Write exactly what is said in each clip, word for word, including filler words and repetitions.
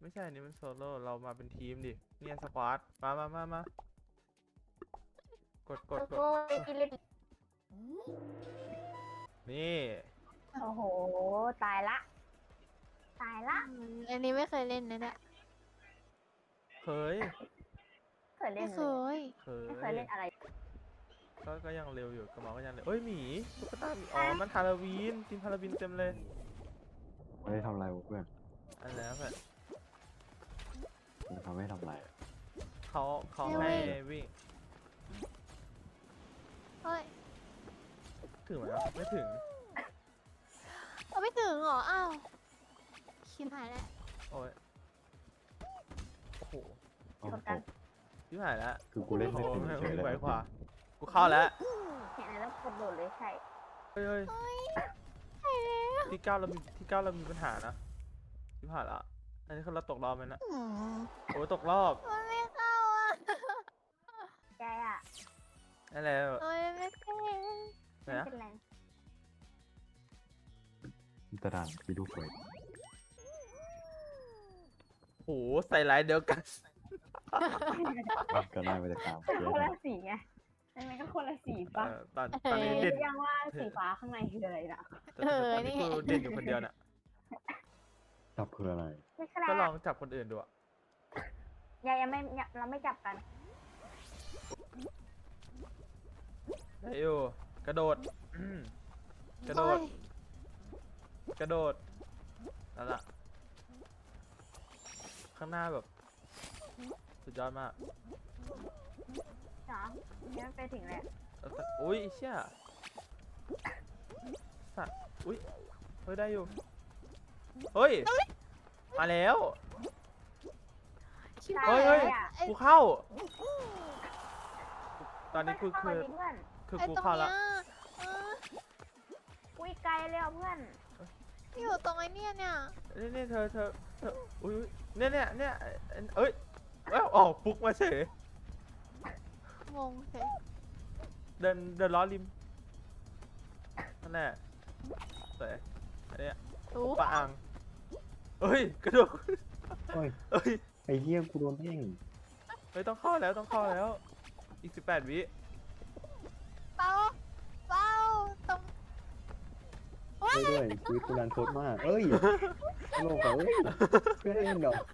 ไม่ใช่นี่มันโซโล่เรามาเป็นทีมดิเนี่ยสควอตมามามามากดกดกดโอ้ยกินเลยนี่โอ้โหตายละตายละอืมอันนี้ไม่เคยเล่นนะเนี่ยเคยเคยเล่ไม่นเคเลยยเคยไม่เคยเล่นอะไรก็ก็ยังเร็วอยู่กระเมาก็ยังเร็วเอ้ยหมีตุ๊กตาหมีอ๋อมันฮาโลวีนทีมฮาโลวีนเต็มเลยไม่ได้ทำอะไรวะเพื่อนอันแล้วแบบมันทำให้ทำอะไรอะเขาเขาให้ให้วิ่งวิ่งเฮ้ยถึงไหมวะไม่ถึงเอาไม่ถึงเหรอ อ้าวชิบหายแล้วโอ้ยโอ้โหเอาชนตกันกชิบหายแล้วคือกูเล่นโอ้ไม่โหเป็นไม่เฉยไม่เลยไหวนะกว่ากูเข้าแล้วเห็นอะไรแล้วกดโดดเลยใช่เฮ้ยเฮ้ยเฮ้ยใช่แล้วที่เก้าเรามีที่เก้าเรามีปัญหานะชิบหายละอันนี้คือเราตกรอบไหมนะอืมโอ้ยตกรอบมันไม่เข้าอ่ะใจอ่ะนั่นแหละโอ้ยไม่เป็นไหนไม่นะเป็นไรตะดานพี่ดูเฟยโอ้โหใส่ลายเดียวกันก็ได้มาจากตามก็เยคนอะละสีไงใช่ไหมก็คนละสีเอปะอตอนตอนนี้เด่นยังว่าสีฟ้าข้างในคืออะไรนะแต่แต่ตอนนี้กูเด่นอยู่คนเดียวน่ะจับเพื่ออะไรไม่ใช่แล้ก็วลองจับคนอื่นดูอะยังยังไม่ยังเราไม่จับกันได้อยู่กระโดดอืมกระโดดโอ้ยกระโดดนั่นละข้างหน้าแบบ สุดยอดมากเนาะยังไม่ไปถึงเลยแล้วแต่อุ้ยเชี่ยสัตว์อุ้ยเฮ้ยได้อยู่เฮ้ยมาแล้วชิบใช่หายเฮ้ยเฮ้ยอ่ะกูเข้า ตอนนี้กูเข้าคือมาดิเพื่อนคือไอ้กูตรงเข้าเนี้ละยเอออุ้ยไกลเลยอ่ะเพื่อนอยู่ตรงไอ้เนี่ยเนี่ยนี่นี่เธอเธอเธออุ้ยเนี่ยเนี่ยเนี่ยเอ้ยเอ้าออกฟุกมาเฉยงงเฉยเดินเดินล้อริมนั่นแหละสวยอันเนี้ยรู้ปะอังเอ้ยกระโดดโอ้ยเอ้ยไอ้เหี้ยกูโดนเพ่งเฮ้ยต้องเข้าแล้วต้องเข้าแล้ว อีกสิบแปดวิเป้าเป้าตรงช่วยด้วยชีวิตกูรันทดมาก เอ้ยโลกเขาเพื่อนเล่นเหรอ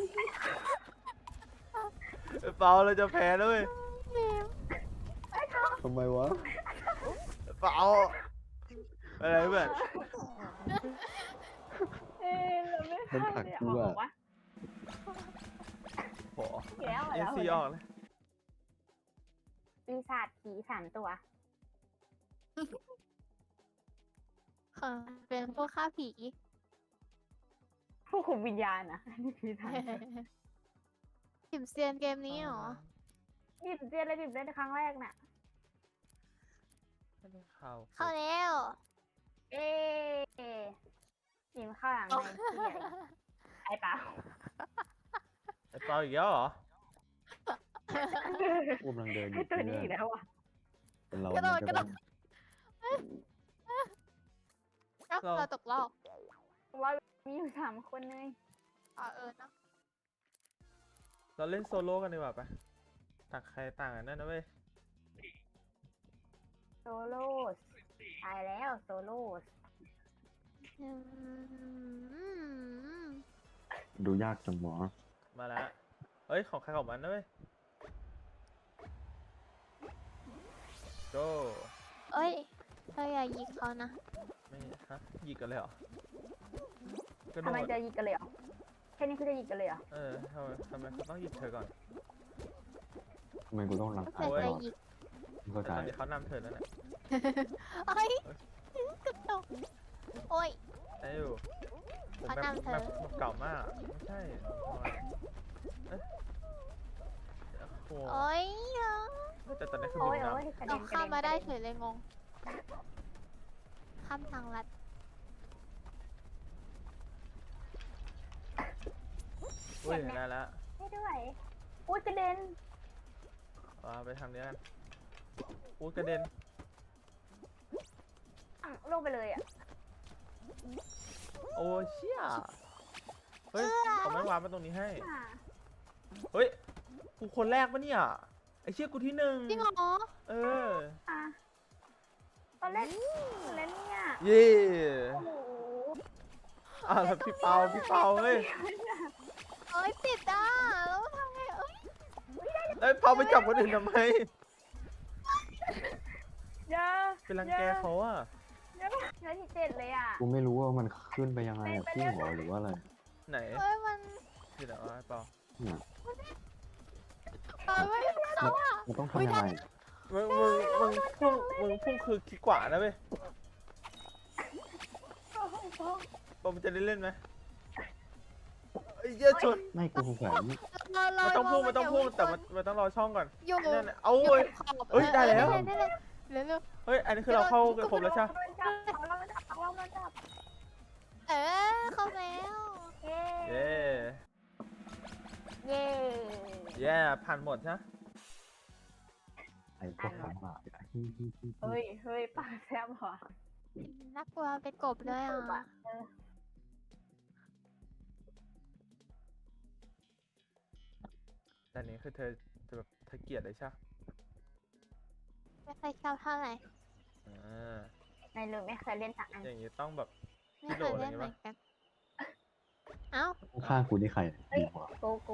เปาเราจะแพ้แล้วเว้ยเมมทำไมวะเปาอะไรเพื่อนเอ้ยเราไม่มันผลักกูอะวะโหอีกแล้วเอแล้วซีออกเลยปีศาจผีสามตัวค่ะเป็นพวกฆ่าผีผู้คุมวิญญาณนะนี่ผีสามตัวถิมเซียนเกมนี้เหรอดิบเจนเลยดิบเล่นครั้งแรกน่ะไม่ได้เข้าเข้าแล้วเอ๊ะดิมเข้าหลังในที่ใหญ่ไอ้เปล่าไอ้เปาอีกแล้วเหรอกูกำลังเดินอไอ้ยู่ตัวเพื่นี้อนอีกแล้วอ่ะเป็นเรากระโดดมันกระโดต้อดงเอ้าเราเราตกรอบว่ามีอยู่สามคนเลยอ๋อเออเนาะเราเล่นโซโล่กันดีกว่าปะต่างใครต่างกันนั่นนะเว้ยโซโล่ตายแล้วโซโล่อืมดูยากจังหมอมาแล้วเฮ้ยของใครของมันนะเว้ย go เอ้ยเธออย่ายิงเขานะไม่ฮะหยิกกันเลยเหรอกระโดทำไมดจะยิงกันเลยเหรอแค่นี้คือจะยิงกันเลยเหรอเออทำไมทำไมเขาต้องหยิกเธอก่อนทำไมกูต้องรังเธอาอยตจะลอดยิงมึงเข้าใจตอนนี้เขานำเธอแล้วแหละเอ้ยกระตกโอ้ยได้อยู่ผมเขาแบบนำเธอแบบแบบเก่ามากไม่ใช่เอ๊ะโอ้โหโอ้ยแต่ตอนนี้คือโอ้บิยนโอ้ยนำกระเราเด็นกระข้ามเด็นมาได้กระเฉเด็นยเลยงง ข้ามทางลัดอุ้ยได้แล้วให้ด้วยอุ้ยกระเด็นเอาไปทำเนี้ยกันอุ้ยกระเด็นอ่ะลงไปเลยอ่ะโอ้เชี่ยเฮ้ยเขาไม่วางมาตรงนี้ให้อ่ะเฮ้ย กูคนแรกปะเนี่ย ไอเชี่ยกูที่หนึ่งจริงเหรอเอออ่ะตอนเล่นตอนเล่นเนี่ยเย่โอ้โหอ่ะแล้วพี่เปาพี่เปาเฮ้ยเอ้ยติดอ่ะแล้วทำไงเอ้ยแล้วเปาไปจับคนอื่นทำไมเยอะเป็นรังแกเขาอะเยอะเยอะที่เจ็ดเลยอ่ะกูไม่รู้ว่ามันขึ้นไปยังไงอะพี่หัวหรือว่าอะไรไหนเอ้ยมันที่ไหนวะไอ้เปาเนี่ยเอ้ยไม่เขาอ่ะมันต้องทำยังไงมึงมึงมึงพุ่งมึงพุ่งคือขี้กว่านะเว้ยโอ้โหเปามันจะได้เล่นไหมไอ้เหี้ยชนไม่กูสงสัยเราเรามันต้องพุ่งเรามันต้องพุ่งอย่าแต่มันมันต้องรอช่องก่อนอยู่นั่นน่ะเอาอยู่เว้ยขอบเอ้ยได้แล้วเออได้เลยได้เลยเร็วเฮ้ย อันนี้คือเราเข้ากันครบแล้วใช่ปะโดนจับเอาเรามาจับเอาเรามาจับๆเออเข้าแล้วเย้เย่เย้เย่ผ่านหมดใช่ปะไอ้พวกขังหมาฮิฮิฮิเฮ้ยเฮ้ยปากแซ่บเหรอน่ากลัวเป็นกบเลยอ่ะเออแต่อันนี้คือเธอจะแบบเธอเกลียดเลยใช่ปะไม่เคยชอบเท่าไหร่อ่าไม่รู้ไม่เคยเล่นสักอันอย่างงี้ต้องแบบไม่เคยเล่นเหมือนกันเอ้าข้างๆกูนี่ใครดีกว่าโกโก้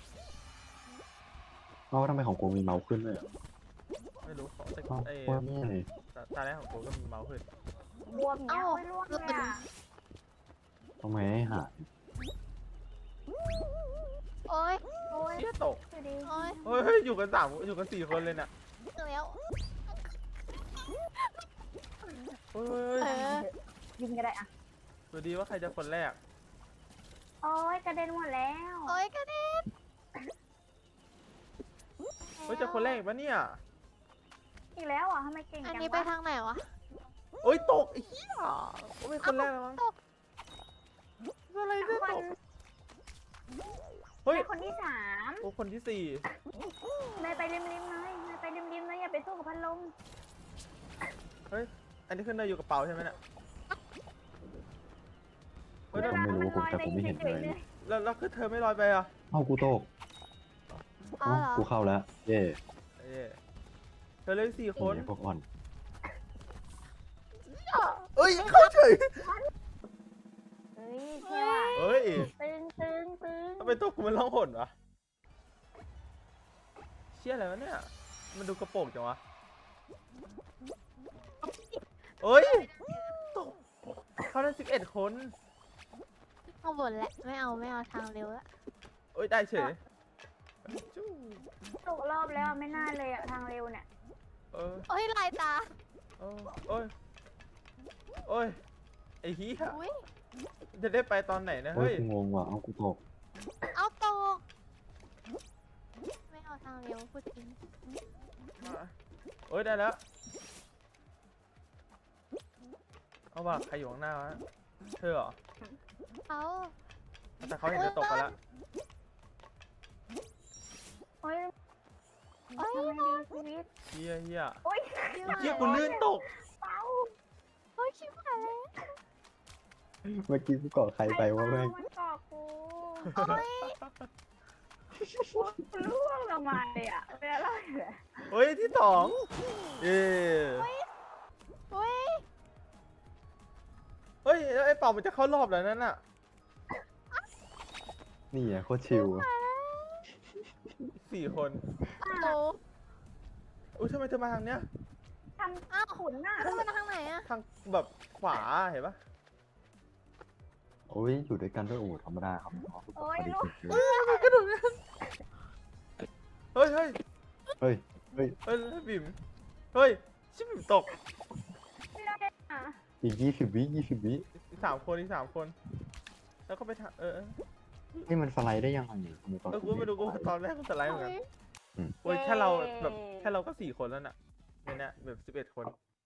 เอ้าทำไมของกูมีเมาส์ขึ้นเลยอะไม่รู้ของแต่เอ้าไอ้ว่าเนี่ยเลยตาตาแรกของกูก็มีเมาส์ขึ้นบวมเนี้ยไม่ร่วงเลยอ่ะทำไมให้หาโอ๊ยโอ้ยเชี่ยตกดูดิโอ๊ยเฮ้ยเฮ้ยอยู่กันสามอยู่กันสี่คนเลยน่ะถึงแล้วเฮ้ยเฮ้ยเอเฮ้ยอยิงก็ได้อ่ะดูดีว่าใครจะคนแรกโอ้ยกระเด็นหมดแล้วโอ๊ยกระเด็นเฮ้ยจะคนแรกอีกปะเนี่ยอีกแล้วอ่ะทำไมเก่งอันจังนี้ไปวะทางไหนวะโอ้ยตกไอ้เหี้ยโอ้ยเป็นคนแรกแล้วมั้งตกอะไรเนี่ยคนตกเฮ้ยเป็นคนที่สามโอ้คนที่สี่เนยไปริมริมๆเลยเนยไปริมริมๆเลยอย่าไปสู้กับพัดลมเฮ้ยอันนี้คือเนยอยู่กระเป๋าใช่ไหมเนี่ยเฮ้ยเวแล้วลาไม่มันรู้ลผมอยแต่ไปผมไม่เห็นเฉเลย ยๆเลยแล้วแล้วคือเธอไม่ลอยไปอ่ะเอ้ากูโตกเอาเอ้าเหรอกูเข้าแล้ว เย่เอ้ยเธอเลยสี่คนไอ้พวกอ่อนเอ้ยเข้าเฉยเฮ้ยเที่ยวอ่ะเฮ้ยตึงตึงตึงทำไมตัวกูมันร้องหนวะเชี่ยอะไรวะเนี่ยมันดูกระโปรงจังวะเอ้ยตกเขาได้สิบเอ็ดคนข้างบนแหละไม่เอาไม่เอาทางเร็วละเอ้ยได้เฉยจู้ตกรอบแล้วไม่น่าเลยอ่ะทางเร็วเนี่ยเออโอ๊ยลายตาเออโอ้ยโอ้ยไอ้เหี้ยอุ้ยจะได้ไปตอนไหนนะเฮ้ยเฮ้ยกูงงว่ะเอ้ากูโตกเอาตกไม่เอาทางเร็วพูดจริงเอ้ยได้แล้วเอาว่ะใครอยู่ข้างหน้าวะเธอเหรอเขาแต่เขาเห็นจะตกไปแล้วโอ้ยโอ๊ยทำไมดีชีวิตเฮียเฮียโอ้ยไอ้เฮียกูลื่นตกเป้าโอ๊ยชิบหายแล้วเมื่อกี้กูเกาะใครไปวะแม่งมันกาะกูโอ๊ยกูร่วงลงมาเลยอ่ะเป็นอะไรเลยเฮ้ยที่สองเย้โอ๊ยเฮ้ยแล้วไอ้เป่ามันจะเข้ารอบแล้วนั่นน่ะนี่อ่ะโคตรชิลสี่คนโอ้อุ้ยทำไมเธอมาทางเนี้ยทำขุนน่ะแล้วมันทางไหนอะทางแบบขวาเห็นปะโอ้ยอยู่ด้วยกันด้วยโอ้ธรรมดาครับน้องโอ้ยลูกเฮ้ยกระโดดเนี่ยเฮ้ยเฮ้ยเฮ้ย เฮ้ยเฮ้ยบิ๋มเฮ้ยชิบบิ๋มตกไม่ได้อ่ะอีกยี่สิบวิยี่สิบวิอีกสามคนอีกสามคน แล้วก็ไปทางเออเออนี่มันสไลด์ได้ยังไงเนี่ยทำไมตอนเออกูไม่รู้กูตอนแรกกูสไลด์เหมือนกันโอ๊ยโอ้ยแค่เราแบบแค่เราก็สี่คนแล้วน่ะในเนี้ยแบบสิบเอ็ดคน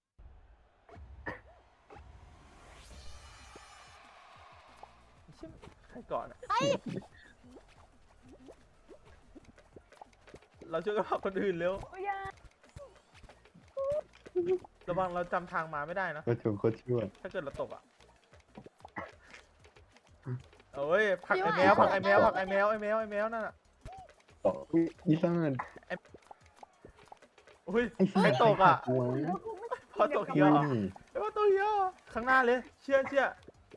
ชิบใครก่อนอะเราช่วยกันพาคนอื่นเร็วโอ้ยอยาระวังเราจำทางมาไม่ได้นะก็ชวนโคตรช่วยถ้าเกิดเราตกอ่ะโอ้ยผลักไอ้แมวผลักไอ้แมวผลักไอ้แมวไอ้แมวไอ้แมวนั่นน่ะต่ออุ้ยอีซ่านอุ้ยไอ้ใครซ่านตกอ่ะหัวพอตกเยอุ้อะยไอ้ว่าตัวเยอะข้างหน้าเลย เชื่อเชื่อ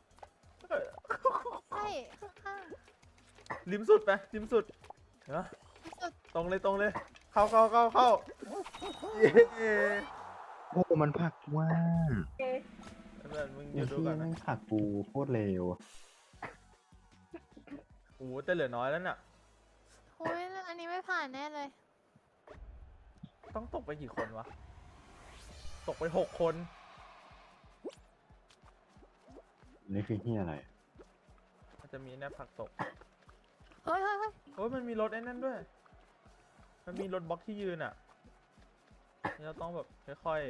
ใช่ข้างริมสุดไปริมสุดเนาะๆสุดตรงเลยตรงเลย เข้าเข้าเข้าเข้าเย้โอ้มันผลักว่าเอ๊ะเพื่อนมึงอไอ้ยู่ดูที่ก่อนแม่นะงผลักกูโคตรเร็วโอ้โหแต่เหลือน้อยแล้วน่ะโอ้ยอันนี้ไม่ผ่านแน่เลยต้องตกไปกี่คนวะ ตกไปหกคนนี่คือเฮียอะไรมันจะมีแนบผักตกเฮ้ยเฮ้ยเฮ้ยโอ้ยมันมีรถไอ้นั่นด้วย มันมีรถบล็อกที่ยืนอ่ะนี่เราต้องแบบค่อยๆ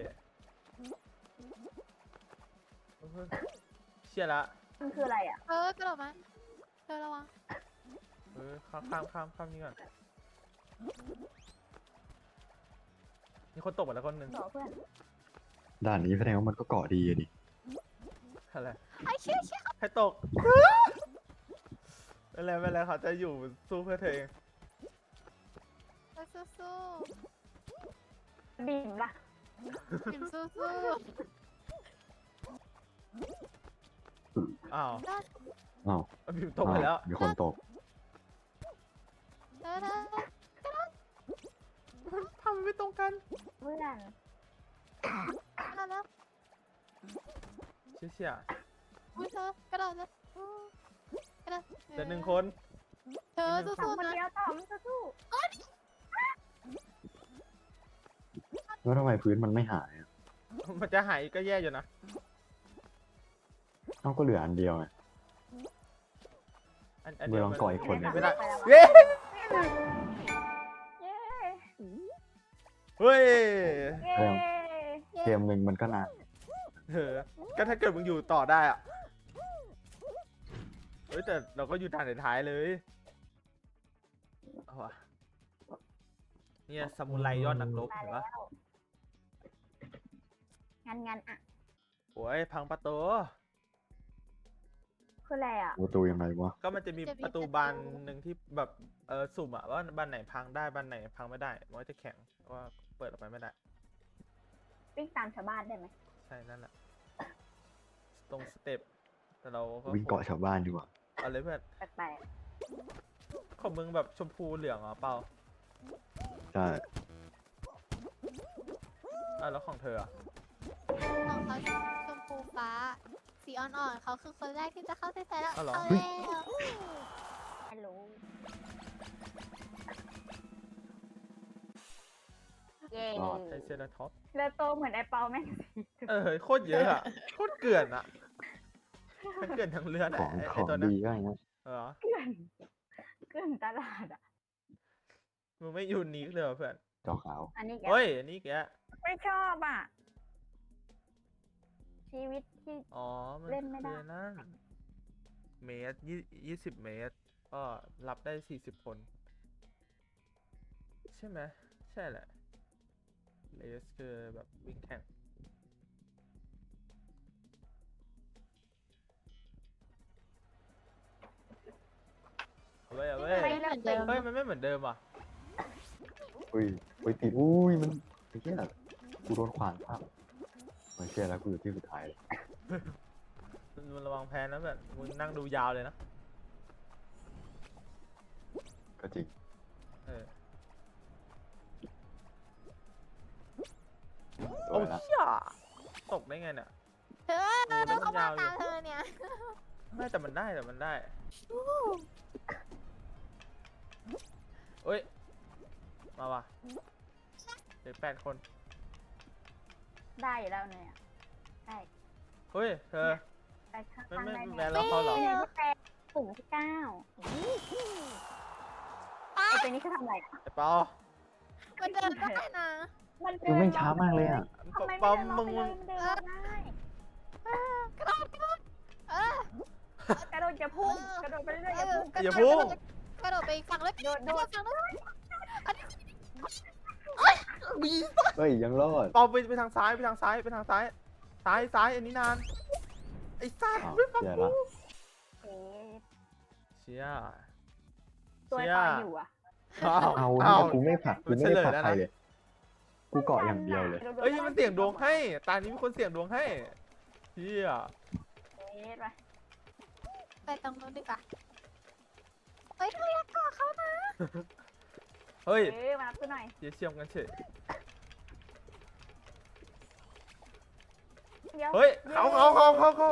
เฮ้ยเชี่ยละมันคืออะไรอ่ะเออกระโดดมาเธอระวังเออข้ามข้ามข้ามข้ามนี่ก่อนมีคนตกไปแล้วคนหนึ่งหรอเพื่อนด่านนี้แสดงว่ามันก็เกาะดีอะดิอะไรไอ้เชี่ยเชี่ยใครตก ไม่เป็นไรไม่เป็นไรเขาจะอยู่สู้เพื่อเธอเองไปสู้บิ่มล่ะๆพิมสู้สู้อ้าวๆได้อ้าวบิวตกไปแล้วอ้าวมีคนตกเธอเธอทำไมไม่ตรงกันเพื่อนได้แล้วเชี่ยเชี่ยอุ้ยเธอกระโดดเลยอู้กระโดดแต่หนึ่งคนเธอสู้สองๆคนนะเดียวต่อมันจะสู้แล้วทำไมพื้นมันไม่หายอะมันจะหายก็แย่อยู่นะเอ้าก็เหลืออันเดียวไงอันอันเดี๋ยวลองก่ออีกคนหนึ่งไม่ได้ปแล้วเย้เย้เฮ้ยเย้เกมหนึ่งมันก็นานเออก็ถ้าเกิดมึงอยู่ต่อได้อะเฮ้ยแต่เราก็อยู่ทางท้ายๆเลยเอาวะเนี่ยซามูไรยอดนักรบมาเห็นแล้ปะวงั้นงั้นอ่ะโอ้ยพังประตูคืออะไรอ่ะประตูยังไงวะก็มันจะมีประตูบานหนึ่งที่แบบเออสุ่มอะว่าบานไหนพังได้บานไหนพังไม่ได้มันก็จะแข็งว่าเปิดออกไปไม่ได้วิ่งตามชาวบ้านได้ไหมใช่นั่นแหละตรงสเต็ปแต่เราก็วิ่งเกาะชาวบ้านดีกว่าเอาเลยเพื่อนแปลกของมึงแบบชมพูเหลืองเหรอเปล่าใช่อ่ะแล้วของเธออะของเขาชมพูฟ้า สีอ่อนๆเขาคือคนแรกที่จะเข้าเส้นชัยแล้วอ๋อเหรอเอาเฮ้ยแล้วๆฮัลโหลเย้ไอเซราท็อปเรือโตเหมือนไอเปาแม่งสิเออโคตรเยอะอะโคตรเกลื่อนอะทั้งเกลื่อนทั้งเลือดขอะองไอขไอองตัวนั้นดีก็อย่างเงี้ยเออเกลื่อนเกลื่อนตลาดอ่ะมึงไม่ยูนิคเลยเหรอเพื่อนจอขาวอันนี้แกเฮ้ยอันนี้แกไม่ชอบอ่ะ ชีวิตที่อ๋อมันเล่นไม่ได้คือนั่นเมตรยี่ยี่สิบเมตรก็รับได้สี่สิบคน ใช่ไหมใช่แหละเลสคือแบบวิ่งแข่งเอาไว้เอาไว้ไม่เหมือนเดิมเฮ้ยมันไม่เหมือนเดิมอ่ะอุ้ยอุ้ยติดอุ้ยมันไอ้เหี้ยกูโดนขวางภาพไม่เชื่อแล้วกูอยู่ที่สุดท้ายเลยมึงระวังแพ้นะแบบมึงนั่งดูยาวเลยนะก็จริงเออสโอ้วยละเชี่ยตกได้ไงเนี่ยเธอโอ้เธอมัเข้าน มายาวอยู่ตามเธอเนี่ยไม่แต่มันได้แต่มันได้อู้เอ้ย มาว่ะเด็กแปดคนได้อยู่แล้วเนี่ยได้เฮ้ย เธอไปข้างไม่ๆไม่ได้ไม่ไหมแพ้เราเขาเหรอไอ้นี่ก็แปลปุ่มที่เก้าไอ้ตัวนี้คือทำอะไรอะไอ้เปามันเดินได้นะมันคือแม่งช้ามากเลยอ่ะทำไมเปาไม่มึงเดินมึงรอบไปเลยมันเดินรอบได้กระโดดกระโดดเออกระโดดจะพุ่งกระโดดไปเรื่อยๆเออย่าอพุ่งอย่าพุ่งกระโดดกระโดดไปอีกฝั่งเลยโดดโดดฝั่งนู้นอันนี้เฮ้ยยังรอดเปาไปไปทางซ้ายไปทางซ้ายไปทางซ้าย ซ้ายซ้ายอันนี้นาน ไอ้สัตว์อ้าวไม่ฟังแย่กูละเอ๊ะชี่ยตัวเชี่ยตอนอยู่อ่ะอ้าวเอาอ้าวเนี่ยกูไม่ผลักกูไม่ได้ผลักเฉลยแล้วนะใครเลย กูเกาะอย่างเดียวเลยเอ้ยมันเสี่ยงดวงให้ตานี้มีคนเสี่ยงดวงให้เชี่ยเอ๊ะไปไปตรงนู้นดีกว่าเฮ้ยเธออยากเกาะเขานะเฮ้ยเอ๊ะมารับกูหน่อยเชี่ยเชี่ยมกันเฉยเดี๋ยวเฮ้ยเขาเขาเขาเขาเขา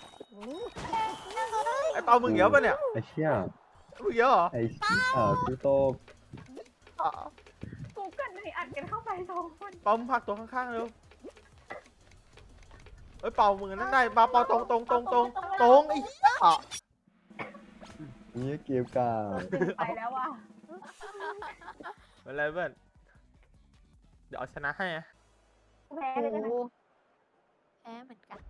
ไอเปามึงเหี้ยวปะเนี่ยไอ้เชี่ยมึงเหี้ยวเหรอไอ้เชี่ยกูโตอ่ะกูกันเลยอัดกันเข้าไปสองคนเปามึงผลักตัวข้างๆเร็วเอ้ยเปามึงนั่นได้เปาเปาตรงตรงตรงตรงตรงไอ้เหี้ยนี่เกมกาดึงไปแล้วว่ะไม่เป็นไรเพื่อนเดี๋ยวเอาชนะให้อะกูแพ้เลยกันนะโอ้แพ้เหมือนกัน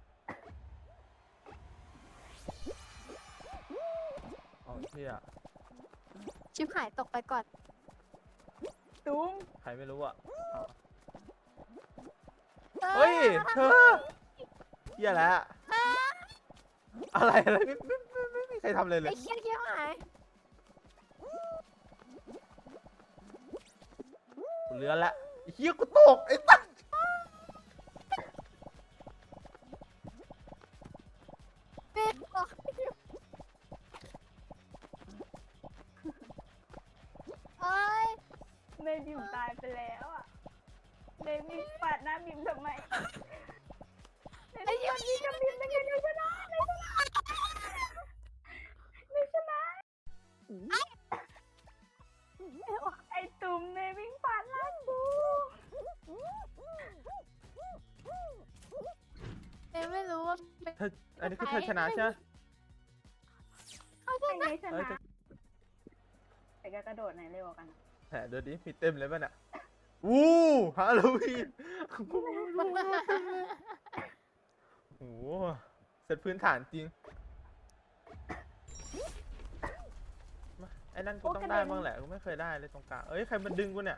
เอาเชี่ยชิบหายตกไปก่อนตุ้มใครไม่รู้อ่ะเอาเฮ้ยเธอเหี้ยแล้วอะไรอะไรไม่ไม่ไม่ไม่มีใครทำเลยเลไอ้ยเคี้ยวเคี้ยวหายกูเลือนละไอ้เหี้ยกูตกไอ้ตั้งเป็นบอกเอ้ยเมย์บิมตายไปแล้วอ่ะเมย์บิมปาดหน้าบิมทำไมไอ้เหี้ยนี่จะบิมเป็นไงไม่ชนะไม่ชนะไม่ชนะไอ้ตุ้มเมย์วิ่งปาดหน้ากูเอ็มไม่รู้ว่าเป็นเธออันนี้คือเธอชนะใช่ไหมไอ้ไงชเอ้ยนะแต่ก็กระโดดไหนเร็วกว่ากันแหมเดี๋ยวนี้มีเต็มเลยป่ะเนี่ยอู้ฮาโลวีนโอ้โหเสร็จพื้นฐานจริงมาไอ้นั่นกูต้องได้บ้างแหละกูไม่เคยได้เลยตรงกลางเอ้ยใครมันดึงกูเนี่ย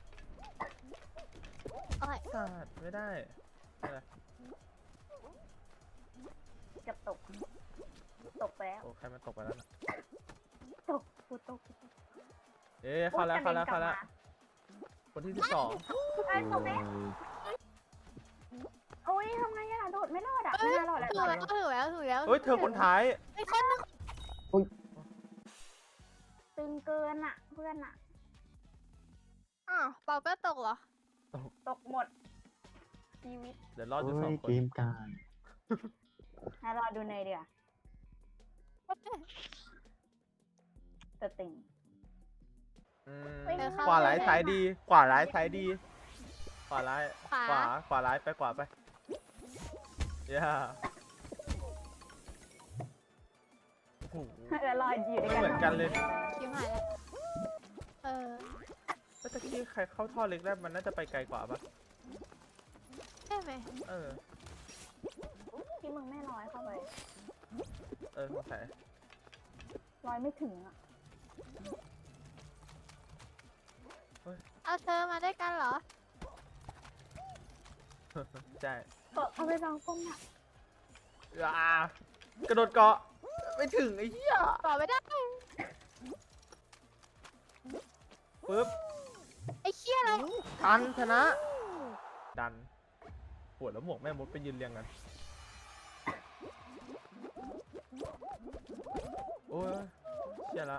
โอ้ยสัตว์ไม่ได้อะไรเกับตก ตกไปแล้วโอ้ใครมันตกไปแล้วนะตกกูตกเอ๊ะเข้าแล้วเข้าแล้วเข้าแล้วคนที่สิบสองไอ้ตกไหมโอ้ยทำไงอะโดดไม่รอดอะเอ้ไม่ยน่ารอดแล้วถูกแล้วถูกแล้วถูกแล้วเฮ้ยเธอคนท้ายไอ้คนนึงตึงเกินอะเพื่อนอะอ้าวเปาก็ตกเหรอตกหมดชีวิตเดี๋ยวรอดอยู่โอ้สองยคเกนมกาให้รอดูในอยเดียวสติงอืมไม่เข้าขวาร้ายซ้ายดี ขวาร้ายซ้ายดี ขวาร้ายขวาขวา ขวาร้ายไปขวาไปย่าโอ้โหแล้วรออยู่ด้วยกันเหมือนกันเลยคิวหายแล้วเออแล้วตะกี้ใครเข้าท่อเล็กได้มันน่าจะไปไกลกว่าปะใช่ไหมเออที่มึงไม่ร้อยเข้าไปเออสงสัยร้อยไม่ถึงอะเอาเธอมาด้วยกันเหรอใช่ก็เอาไปลองก้มอะอ่ากระโดดเกาะ ไม่ถึงไอ้เหี้ยต่อไม่ได้ปึ๊บไอ้เคี้ยอะไรทันชนะ ดันปวดแล้วหมวกแม่มดไปยืนเรียงกัน โอ้ยเชี่ยละ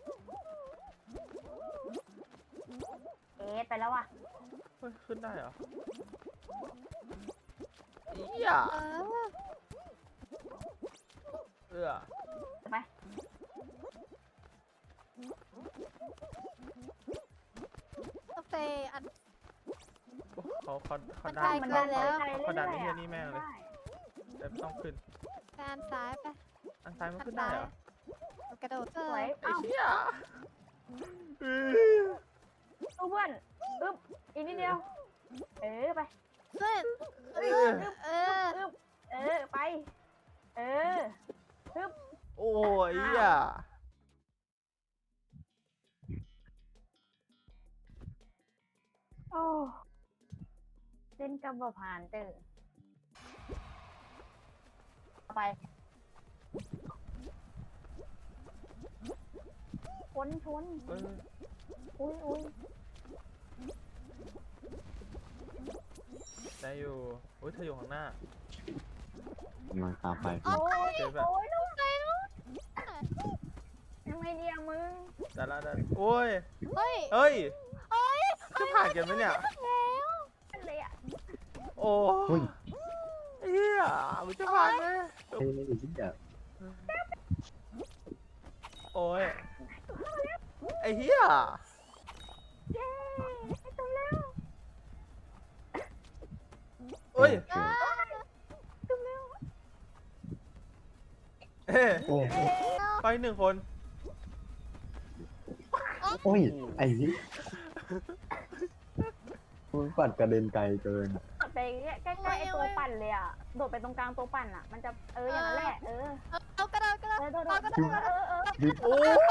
เอ๊ะไปแล้วว่ะเฮ้ยขึ้นได้เหรอเอี้ยเออเอื้อไปกาแฟอันโอ้เขาเขาเขามันดัไกลนมันเขาไกลแล้วเขาเขาดันไอ้เหี้ยรื่นี่แม่งเลยได้แต่ไม่ต้องขึ้นไปอันซ้ายไปอันซ้ายมันอันขึ้นได้ซ้ายเหรอมันกระโดดสวยไอ้เอ้าเหี้ยอื้อตู้เพื่อนอึ๊บอีกนิดเดียว เออไปขึ้นเอขึ้อนเอออึ๊บเออไป เอออึ๊บโอ้ยเหี้ยโอ้เล่นกับบผ่านเตอไปชนชนเอ้ยอุ้ยอุ้ยได้อยู่อุ้ยเธออยู่ข้างหน้ามันตามไปโอ้ยเจ๊แบบโอ้ยลูกใจลูกยังไงเนี่ยมึงแต่ละแต่โอ้ยเฮ้ยเอ้ยเฮ้ยจะผ่านกันไหมเนี่ยนั่นเลยอ่ะโอ้เฮ้ยเฮียมันจะผ่านไหมเฮ้ยไอ้เหี้ยโอ้ยไอ้เฮียเย้ไอ้ตัวแล้วเอ้ยโอเคตัวแล้วเอ้ยโอ้ยไปหนึ่งคนโอ้ยไอ้นี่มึงปัดกระเด็นไกลเกินไปใกล้ๆไอ้ตัวปั่นเลยอ่ะโดดไปตรงกลางตัวปั่นอ่ะ มันจะเอออย่างนั้นแหละเออเอากระโดดกระโดดเออโดดเอากระโดโดดดเออเออโอ้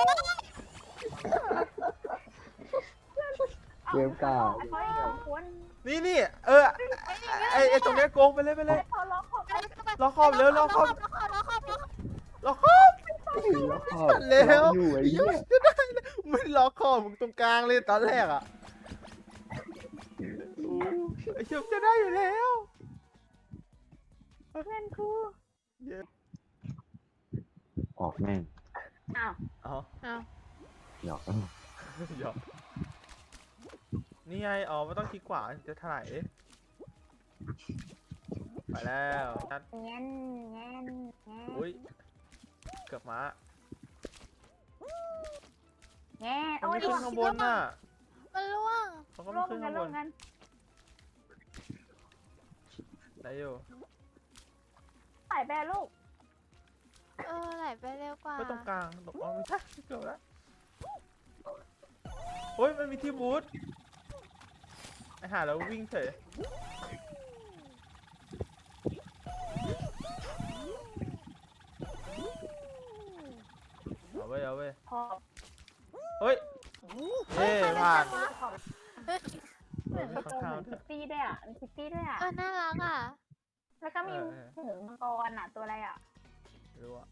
เกมกล้าไอ้เขาอีกสองคนนี่นี่เออไอไอตรงเนี้ยโกงไปเลยไปเลยพอล็อกขอบล็อกคอมเร็วล็อกคอมล็อกคอมล็อกคอมล็อกคอมล็อกคอมแล้วก็เร็วอยู่ไอ้เหี้เหี้ยยจะได้เลยไม่ล็อกคอมึงตรงกลางเลยตอนแรกอ่ะโอ้ไอเชี่ยจะได้อยู่แล้วเพื่อนครูออกแม่งอ้าวเอาเอาหยอกหยอกนี่ไงอ๋อไม่ต้องคลิกขวาจะถลายไปแล้วนัดเงี้ยนเงี้ยนเงี้ยนอุ้ยเกือบมาเงี้ยนเขาโอ้ยไม่ขึ้นข้างบนน่ะมันล่วงเขาก็ร่ไม่วมขึ้นกัข้าน งบร่วมนกันได้อยู่ใส่ไปอะลูกเออไหลไปเร็วกว่าก็ตรงกลางตรงอ๋อไม่ใช่เกือบแล้วโอ้ยมันมีที่บูทไอหาแล้ววิ่งเฉยเอาไว้เอาไว้พอเฮ้ยเย้ผ่านขอบเฮ้ยเหมือนกระโปรงเหมือนคิตตี้ด้วยอ่ะมีคิตตี้ด้วยอ่ะเออน่ารักอ่ะแล้วก็มีหูมังกรอ่ะ ตัวอะไรอ่ะไม่รู้อะ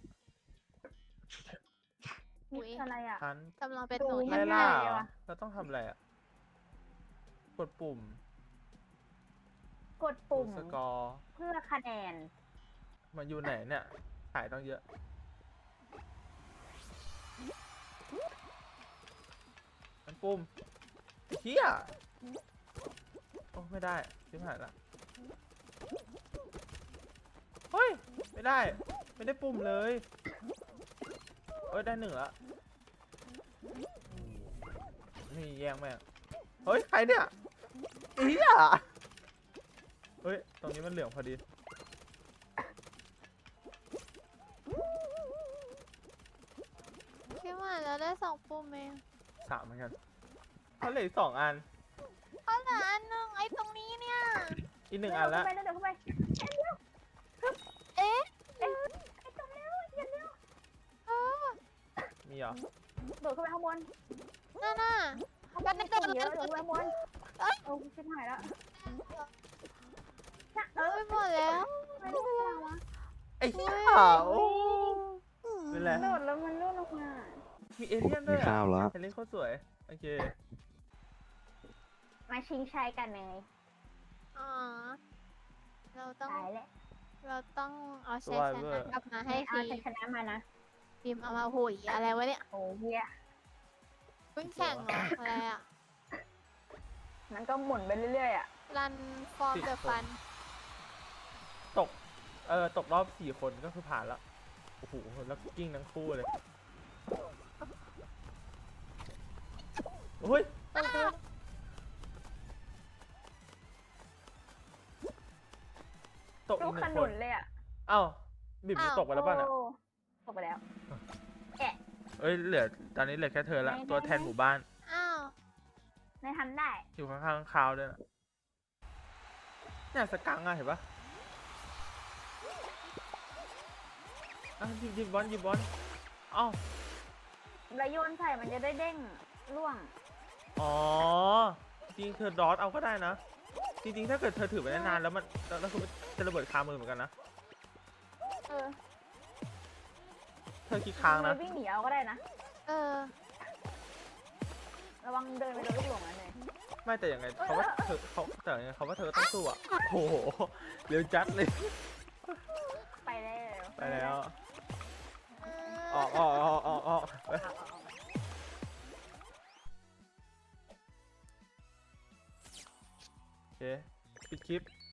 มีอะไรอ่ะทันกำลังเป็นหนูดูไล่ง่ล่ายๆเลเหรยอว่ะเราต้องทำอะไรอะกดปุ่มกดปุ่มสกอร์เพื่อคะแนนมันอยู่ไหนเนี่ยถ่ายต้องเยอะมันปุ่มไอ้เฮียโอ้ไม่ได้ชิบหายละเฮ้ยไม่ได้ไม่ได้ปุ่มเลยเอ้ยได้หนึ่งละนี่แย่งแม่งเฮ้ยใครเนี่ยเฮียเฮ้ยตรงนี้มันเหลืองพอดีคิดว่าเราได้สองปุ่มเองสามเหมือนกันเขาเหลืออีกสองอันเอาเหลืออันหนึงไอ้ตรงนี้เนี่ยอีกหนึ่งอันละเดี๋ยวเข้าไปเดี๋ยวเข้าไปเอ๊ะเอ๊ะไอ้ตัวเร็วอย่าเร็วเออมีเหรอโดดเข้าไปข้างบนนั่นน่ะข้างบนมีคนเยอะโดดเข้าไปข้างบนเอ้ยโอ้ชิบหายแล้วน่ะเอเอาอไปหมดแล้วไม่ได้เวลาวะไอ้เหี้ยโอ้เป็นไรโดดแล้วมันร่วงลงมามีเอเลี่ยนด้มีวยข้าอ่ะวแล้วเอเลี่ยนโคตรสวยโอเคมาชิงชัยกันเลยอ๋อ เราต้องตายแล้วเราต้องเอาชัยชนะกลับมาให้เอาทีชัยชนะมานะทีมเอามาหุยอะไรวะเนี่ยโอ้เฮียเพิ่งแข่งเหรออะไรอ่ะมันก็หมุนไปเรื่อยๆอ่ะรันฟอร์มเดอะฟันตกเออตกรอบสี่คนก็คือผ่านละโอ้โหแล้วกิ้งทั้งคู่เลยโอ้ยตกลูอีกกหขนึ่งคนุนนเลยอ่ะอ้าวบิบมันอ้าวตกไปแล้วป่ะน่ะโอ้ตกไปแล้วเอ้ยเหลือตอนนี้เหลือแค่เธอละไหนๆตัวแทนหมู่บ้านอ้าวไม่ทันได้อยู่ข้างๆคาวด้วยนะเนี่ยสกังอะเห็นปะอ่ะหยิบหยิบบอลหยิบบอลเอ้าแล้วโยนใส่มันจะได้เด้งร่วงอ๋อ จริงเธอดอทเอาก็ได้นะ จริงๆ ถ้าเกิดเธอถือไปนานๆแล้วมันแล้วแล้วคือมันจะระเบิดคามือเหมือนกันนะเออเธอคิดค้างนะวิ่งหนีเอาก็ได้นะเออวังเดินไปโดนลูกหลงนะเนยไม่แต่ยังไงเขาว่าเธอเขาแต่ยังไงเขาว่าเธอต้องสู้อ่ะโอ้โหเร็วจัดเลยไปแล้วไปแล้วเออกออกออกออกออกเอาเอาเอาโอเคปิดคลิป